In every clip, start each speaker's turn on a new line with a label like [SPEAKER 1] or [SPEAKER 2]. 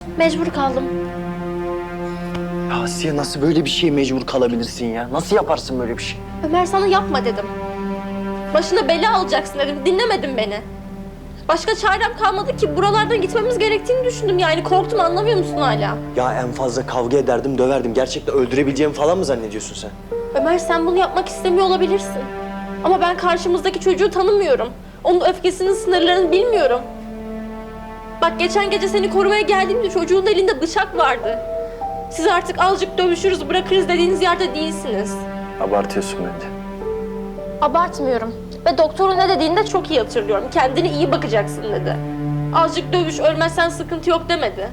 [SPEAKER 1] Mecbur kaldım.
[SPEAKER 2] Ya Asiye nasıl böyle bir şeye mecbur kalabilirsin ya? Nasıl yaparsın böyle bir şey?
[SPEAKER 1] Ömer sana yapma dedim. Başına bela alacaksın dedim. Dinlemedin beni. Başka çarem kalmadı ki buralardan gitmemiz gerektiğini düşündüm yani. Korktum, anlamıyor musun hala?
[SPEAKER 2] Ya en fazla kavga ederdim, döverdim. Gerçekten öldürebileceğimi falan mı zannediyorsun sen?
[SPEAKER 1] Ömer sen bunu yapmak istemiyor olabilirsin. Ama ben karşımızdaki çocuğu tanımıyorum. Onun öfkesinin sınırlarını bilmiyorum. Bak geçen gece seni korumaya geldiğimde çocuğun elinde bıçak vardı. Siz artık azıcık dövüşürüz, bırakırız dediğiniz yerde değilsiniz.
[SPEAKER 2] Abartıyorsun bence.
[SPEAKER 1] Abartmıyorum. Ve doktorun ne dediğini de çok iyi hatırlıyorum. Kendine iyi bakacaksın dedi. Azıcık dövüş, ölmezsen sıkıntı yok demedi.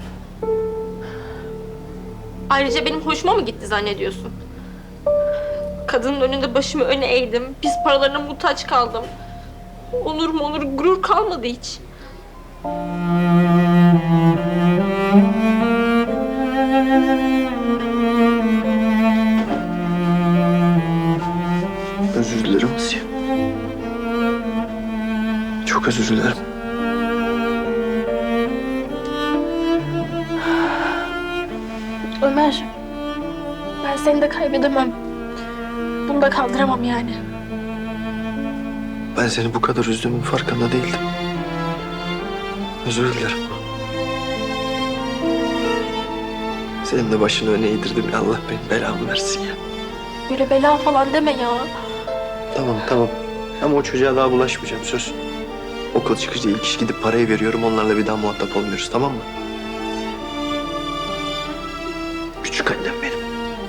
[SPEAKER 1] Ayrıca benim hoşuma mı gitti zannediyorsun? Kadının önünde başımı öne eğdim. Pis paralarına muhtaç kaldım. Onur mu onur, gurur kalmadı hiç.
[SPEAKER 2] Özür dilerim Asiye. Çok özür dilerim.
[SPEAKER 1] Ömer, ben seni de kaybedemem. Bunu da kaldıramam yani.
[SPEAKER 2] Ben seni bu kadar üzdüğümün farkında değildim. Özür dilerim. Senin de başını öne eğdirdim ya, Allah benim belamı versin ya.
[SPEAKER 1] Böyle bela falan deme ya.
[SPEAKER 2] Tamam. Ama o çocuğa daha bulaşmayacağım, söz. Okul çıkışı ilk iş gidip parayı veriyorum, onlarla bir daha muhatap olmuyoruz, tamam mı? Küçük annem benim.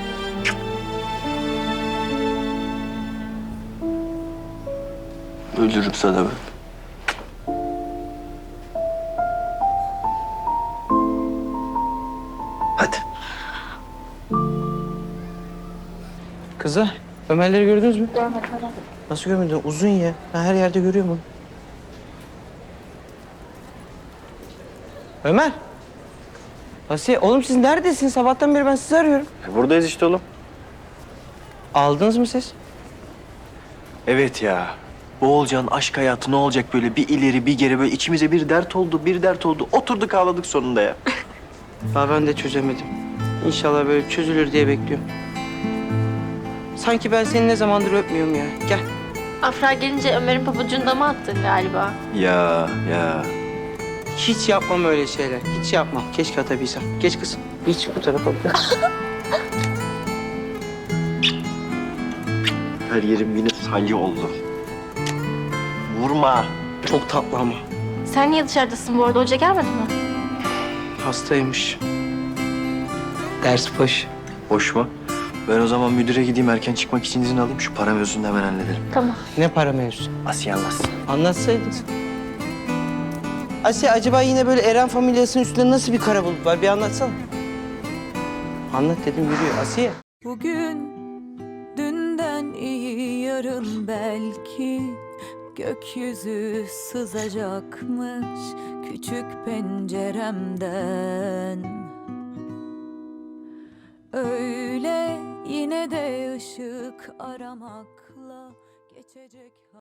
[SPEAKER 2] Ölürüm sana ben. Hadi.
[SPEAKER 3] Kızlar, Ömerleri gördünüz mü?
[SPEAKER 1] Görmedim öyle.
[SPEAKER 3] Nasıl görmedin? Uzun ya. Ben her yerde görüyorum onu. Ömer. Asiye, oğlum siz neredesiniz? Sabahtan beri ben sizi arıyorum.
[SPEAKER 2] Buradayız işte oğlum.
[SPEAKER 3] Aldınız mı siz?
[SPEAKER 2] Evet ya. Bu Oğulcan'ın aşk hayatı ne olacak böyle bir ileri bir geri, böyle içimize bir dert oldu. Oturduk ağladık sonunda ya.
[SPEAKER 3] Daha ben de çözemedim. İnşallah böyle çözülür diye bekliyorum. Sanki ben seni ne zamandır öpmüyorum ya. Gel.
[SPEAKER 1] Afra gelince Ömer'in pabucunu da mı attın galiba?
[SPEAKER 2] Ya.
[SPEAKER 3] Hiç yapmam öyle şeyler. Hiç yapmam. Keşke atabilsem. Geç kızım. Hiç bu tarafa bak.
[SPEAKER 2] Her yerim yine salya oldu. Vurma.
[SPEAKER 3] Çok tatlı ama.
[SPEAKER 1] Sen niye dışarıdasın bu arada? Hoca gelmedi mi?
[SPEAKER 3] Hastaymış. Ders boş.
[SPEAKER 2] Boş mu? Ben o zaman müdüre gideyim, erken çıkmak için izin alayım. Şu para mevzusunu hemen halledelim.
[SPEAKER 1] Tamam.
[SPEAKER 3] Ne para mevzusu?
[SPEAKER 2] Asiye anlatsın.
[SPEAKER 3] Anlatsaydın. Asiye, acaba yine böyle Eren familyasının üstünde nasıl bir kara bulut var? Bir anlatsana. Anlat dedim, yürüyor. Asiye.
[SPEAKER 4] Bugün dünden iyi, yarın belki gökyüzü sızacakmış küçük penceremden. Öyle yine de ışık aramakla geçecek.